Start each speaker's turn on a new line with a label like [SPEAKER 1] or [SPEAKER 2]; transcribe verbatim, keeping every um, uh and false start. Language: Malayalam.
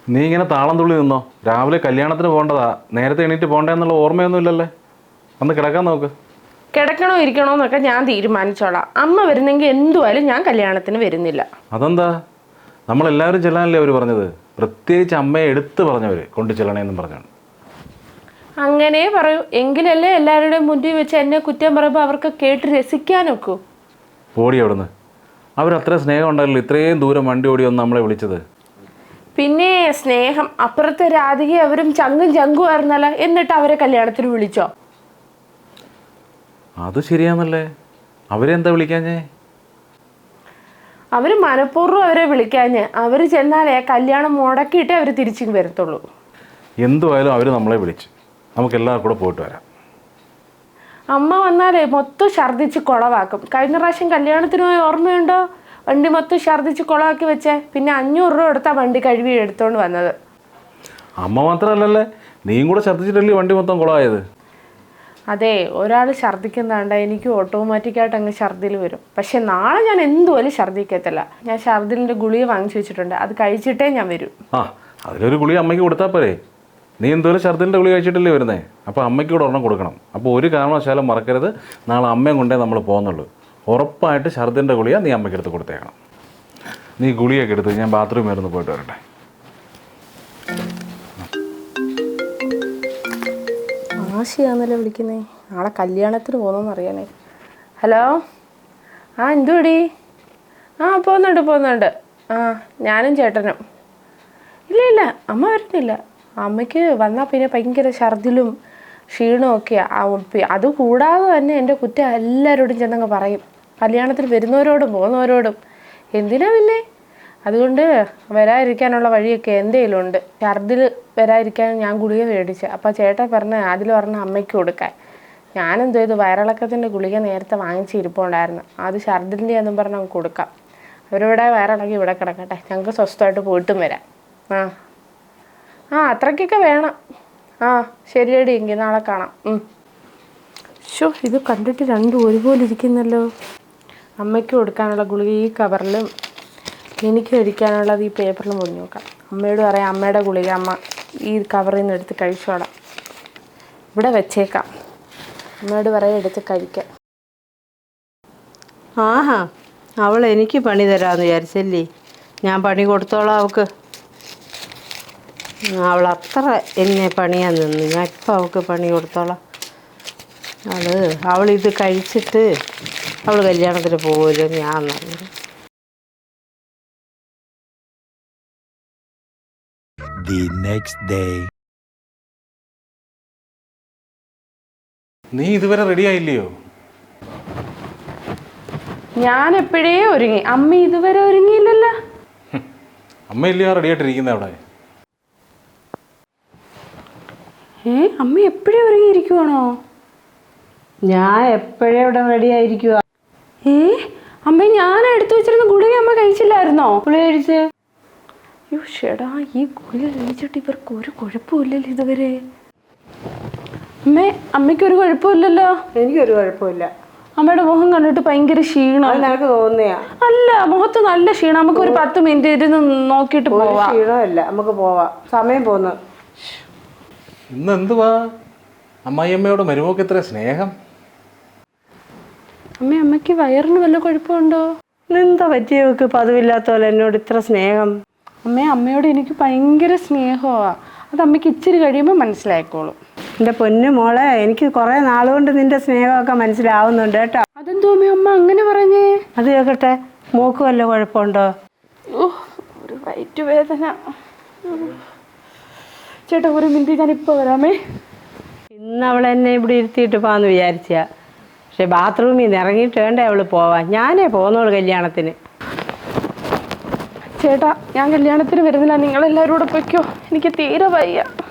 [SPEAKER 1] നീ ഇങ്ങനെ താളം തുള്ളി നിന്നോ? രാവിലെ കല്യാണത്തിന് പോകേണ്ടതാ, നേരത്തെ എണീറ്റ് പോകണ്ടെന്നുള്ള ഓർമ്മയൊന്നും ഇല്ലല്ലേ? അന്ന് കിടക്കാൻ നോക്ക്.
[SPEAKER 2] കിടക്കണോ ഇരിക്കണോ എന്നൊക്കെ ഞാൻ തീരുമാനിച്ചോളാം. അമ്മ വരുന്നെങ്കിൽ എന്തുവായാലും ഞാൻ കല്യാണത്തിന് വരുന്നില്ല.
[SPEAKER 1] അതെന്താ? നമ്മളെല്ലാവരും ചെല്ലാനല്ലേ അവർ പറഞ്ഞത്? പ്രത്യേകിച്ച് അമ്മയെ എടുത്ത് പറഞ്ഞവർ കൊണ്ട് ചെല്ലണേന്നും പറഞ്ഞാണ്.
[SPEAKER 2] അങ്ങനെ പറയൂ, എങ്കിലല്ലേ എല്ലാവരുടെയും മുന്നിൽ വെച്ച് എന്നെ കുറ്റം പറയുമ്പോൾ അവർക്ക് കേട്ട് രസിക്കാനൊക്കൂ.
[SPEAKER 1] ഓടി അവിടുന്ന്. അവരത്ര സ്നേഹം ഉണ്ടല്ലോ ഇത്രയും ദൂരം വണ്ടി ഓടി വന്ന് നമ്മളെ വിളിച്ചത്.
[SPEAKER 2] പിന്നെ സ്നേഹം, അപ്പുറത്തെ രാധിക അവരും ചങ്കും ചങ്കും ആയിരുന്നല്ലോ, എന്നിട്ട് അവരെ കല്യാണത്തിന് വിളിച്ചോ?
[SPEAKER 1] അത് ശരിയാന്നല്ലേ, അവരെന്താ വിളിക്കാഞ്ഞേ?
[SPEAKER 2] അവർ മനഃപൂർവ്വം അവരെ വിളിക്കാഞ്ഞ്. അവർ ചെന്നാലേ കല്യാണം മുടക്കിയിട്ടേ അവർ തിരിച്ചു വരത്തുള്ളൂ.
[SPEAKER 1] എന്തുവായാലും അവർ നമ്മളെ വിളിച്ച്, നമുക്ക് എല്ലാവർക്കും കൂടെ പോയിട്ട് വരാം.
[SPEAKER 2] അമ്മ വന്നാലേ മൊത്തം ഛർദ്ദിച്ച് കുളവാക്കും. കഴിഞ്ഞ പ്രാവശ്യം കല്യാണത്തിന് പോയി ഓർമ്മയുണ്ടോ? വണ്ടി മൊത്തം ഛർദ്ദിച്ച് കുളമാക്കി വെച്ചേ. പിന്നെ അഞ്ഞൂറ് രൂപ എടുത്താ വണ്ടി കഴുകി എടുത്തോണ്ട് വന്നത്.
[SPEAKER 1] അമ്മ മാത്രമല്ലല്ലേ, നീയും കൂടെ ഛർദ്ദിച്ചിട്ടല്ലേ വണ്ടി മൊത്തം കുളമായത്?
[SPEAKER 2] അതെ, ഒരാൾ ഛർദ്ദിക്കുന്നതാണ്ട് എനിക്ക് ഓട്ടോമാറ്റിക്കായിട്ട് അങ്ങ് ഛർദ്ദിൽ വരും. പക്ഷെ നാളെ ഞാൻ എന്തുപോലും ഛർദ്ദിക്കത്തില്ല. ഞാൻ ഛർദ്ദിലിൻ്റെ ഗുളിക വാങ്ങിച്ചു വെച്ചിട്ടുണ്ട്, അത് കഴിച്ചിട്ടേ ഞാൻ വരും.
[SPEAKER 1] ആ, അതിലൊരു ഗുളിക അമ്മയ്ക്ക് കൊടുത്താൽ പോരെ? നീ എന്തോരം ഛർദ്ദിലിൻ്റെ ഗുളിക കഴിച്ചിട്ടല്ലേ വരുന്നേ? അപ്പോൾ അമ്മയ്ക്ക് കൂടെ ഒരെണ്ണം കൊടുക്കണം. അപ്പോൾ ഒരു കാരണവശാലും മറക്കരുത്, നാളെ അമ്മയും കൊണ്ടേ നമ്മൾ പോകുന്നുള്ളൂ. ഉറപ്പായിട്ട് ഛർദ്ദിലിൻ്റെ ഗുളിക നീ അമ്മയ്ക്ക് എടുത്ത് കൊടുത്തേക്കണം. നീ ഗുളിയൊക്കെ എടുത്ത് ഞാൻ ബാത്റൂമിൽ വരുന്ന് പോയിട്ട് വരട്ടെ.
[SPEAKER 2] ആശയാന്നല്ലേ വിളിക്കുന്നേ, നാളെ കല്യാണത്തിന് പോകുന്നതെന്ന് അറിയാനേ. ഹലോ, ആ എന്തുപടി? ആ പോകുന്നുണ്ട് പോകുന്നുണ്ട് ആ ഞാനും ചേട്ടനും. ഇല്ല ഇല്ല അമ്മ വരുന്നില്ല. അമ്മയ്ക്ക് വന്നാൽ പിന്നെ ഭയങ്കര ഛർദിലും ക്ഷീണവും ഒക്കെയാണ്. അതുകൂടാതെ തന്നെ എൻ്റെ കുറ്റം എല്ലാവരോടും ചെന്നങ്ങ് പറയും, കല്യാണത്തിന് വരുന്നവരോടും പോകുന്നവരോടും. എന്തിനാ പിന്നെ? അതുകൊണ്ട് വരാതിരിക്കാനുള്ള വഴിയൊക്കെ എൻ്റെ കയ്യിലുണ്ട്. ഛർദിൽ വരാതിരിക്കാൻ ഞാൻ ഗുളിക മേടിച്ച്. അപ്പോൾ ചേട്ടൻ പറഞ്ഞ് അതിൽ പറഞ്ഞ അമ്മയ്ക്ക് കൊടുക്കാൻ. ഞാനെന്തോ ഇത് വയറിളക്കത്തിൻ്റെ ഗുളിക നേരത്തെ വാങ്ങിച്ച് ഇരിപ്പുണ്ടായിരുന്നു, അത് ഛർദിൻ്റെ എന്നും പറഞ്ഞ് നമുക്ക് കൊടുക്കാം. അവരിവിടെ വയറിളക്കി ഇവിടെ കിടക്കട്ടെ, ഞങ്ങൾക്ക് സ്വസ്ഥമായിട്ട് പോയിട്ടും വരാം. ആ ആ അത്രയ്ക്കൊക്കെ വേണം. ആ ശരിയടി, എങ്കിൽ നാളെ കാണാം. ഷോ, ഇത് കണ്ടിട്ട് രണ്ടും ഒരുപോലെ ഇരിക്കുന്നല്ലോ. അമ്മയ്ക്ക് കൊടുക്കാനുള്ള ഗുളിക ഈ കവറിലും എനിക്ക് കഴിക്കാനുള്ളത് ഈ പേപ്പറിൽ പൊതിഞ്ഞ് നോക്കാം. അമ്മയോട് പറയാം, അമ്മയുടെ ഗുളിക അമ്മ ഈ കവറിൽ നിന്ന് എടുത്ത് കഴിച്ചോളാം, ഇവിടെ വെച്ചേക്കാം. അമ്മയോട് പറയാം എടുത്ത് കഴിക്കാം.
[SPEAKER 3] ആഹാ, അവൾ എനിക്ക് പണി തരാമെന്ന് വിചാരിച്ചല്ലേ? ഞാൻ പണി കൊടുത്തോളാം അവൾക്ക്. അവൾ അത്ര എന്നെ പണിയാൻ നിന്ന്, ഞാൻ ഇപ്പം അവൾക്ക് പണി കൊടുത്തോളാം. അവൾ അവളിത് കഴിച്ചിട്ട് അവൾ കല്യാണത്തിന് പോകുമല്ലോ ഞാൻ പറഞ്ഞു.
[SPEAKER 4] The next day.
[SPEAKER 1] നീ ഇതുവരെ റെഡി ആയില്ലയോ?
[SPEAKER 2] ഞാൻ എപ്പോഴേ ഒരുങ്ങി, അമ്മ ഇതുവരെ ഒരുങ്ങിയില്ലല്ലോ.
[SPEAKER 1] അമ്മ ഇല്ലയോ റെഡി ആയിട്ടിരിക്കുന്നത് അവിടെ?
[SPEAKER 2] ഏ അമ്മ എപ്പോഴേ ഒരുങ്ങിയിരിക്കുവാണോ?
[SPEAKER 3] ഞാൻ എപ്പോഴേ ഇവിടെ റെഡി ആയിരിക്കുക.
[SPEAKER 2] ഏ അമ്മ, ഞാൻ എടുത്തു വെച്ചിരുന്ന ഗുളിക അമ്മ കഴിച്ചില്ലായിരുന്നോ?
[SPEAKER 3] ഗുളിക കഴിച്ച്?
[SPEAKER 2] അയ്യോ ഷെടാ, ഈ ഗുളിക കഴിച്ചിട്ട് ഇവർക്ക് ഒരു കുഴപ്പമില്ലല്ലോ ഇതുവരെ. അമ്മേ, അമ്മയ്ക്കൊരു കുഴപ്പമില്ലല്ലോ?
[SPEAKER 3] എനിക്കൊരു കുഴപ്പമില്ല.
[SPEAKER 2] അമ്മയുടെ മുഖം കണ്ടിട്ട് ഭയങ്കര ക്ഷീണം.
[SPEAKER 3] നിനക്ക് തോന്നിയാ?
[SPEAKER 2] അല്ല, മുഖത്ത് നല്ല ക്ഷീണം. നമുക്ക് ഒരു പത്ത് മിനിറ്റ് ഇരുന്ന് നോക്കിയിട്ട് പോവാം.
[SPEAKER 3] ക്ഷീണമല്ല, നമുക്ക് പോവാം, സമയം പോന്നു.
[SPEAKER 1] ഇന്ന് എന്തുവാ അമ്മായിയമ്മയോട് മരുമോക്ക് ഇത്ര സ്നേഹം?
[SPEAKER 2] അമ്മ, അമ്മയ്ക്ക് വയറിന് വല്ല കുഴപ്പമുണ്ടോ?
[SPEAKER 3] എന്താ പറ്റിയവർക്ക് പതിവില്ലാത്ത പോലെ എന്നോട് ഇത്ര സ്നേഹം?
[SPEAKER 2] അമ്മേ, അമ്മയോട് എനിക്ക് ഭയങ്കര സ്നേഹമാണ്. അത് അമ്മയ്ക്ക് ഇച്ചിരി കഴിയുമ്പോൾ മനസ്സിലായിക്കോളും.
[SPEAKER 3] എൻ്റെ പൊന്നു മോളെ, എനിക്ക് കുറേ നാളുകൊണ്ട് നിന്റെ സ്നേഹമൊക്കെ മനസ്സിലാവുന്നുണ്ട് കേട്ടോ.
[SPEAKER 2] അതെന്തോ അമ്മ അമ്മ അങ്ങനെ പറഞ്ഞേ?
[SPEAKER 3] അത് കേൾക്കട്ടെ, മോക്ക് വല്ല കുഴപ്പമുണ്ടോ?
[SPEAKER 2] ഓ, ഒരു വയറ്റ് വേദന. ചേട്ടാ ഒരു മിനിറ്റ്, ഞാൻ ഇപ്പോൾ വരാമേ.
[SPEAKER 3] ഇന്ന് അവൾ എന്നെ ഇവിടെ ഇരുത്തിയിട്ട് പോകാമെന്ന് വിചാരിച്ചാ, പക്ഷെ ബാത്റൂമിൽ നിന്ന് ഇറങ്ങിയിട്ട് വേണ്ടേ അവൾ പോവാൻ. ഞാനേ പോന്നോളൂ കല്യാണത്തിന്.
[SPEAKER 2] ചേട്ടാ, ഞാൻ കല്യാണത്തിന് വരുന്നില്ല, നിങ്ങളെല്ലാവരും കൂടെ പൊയ്ക്കോ, എനിക്ക് തീരെ വയ്യ.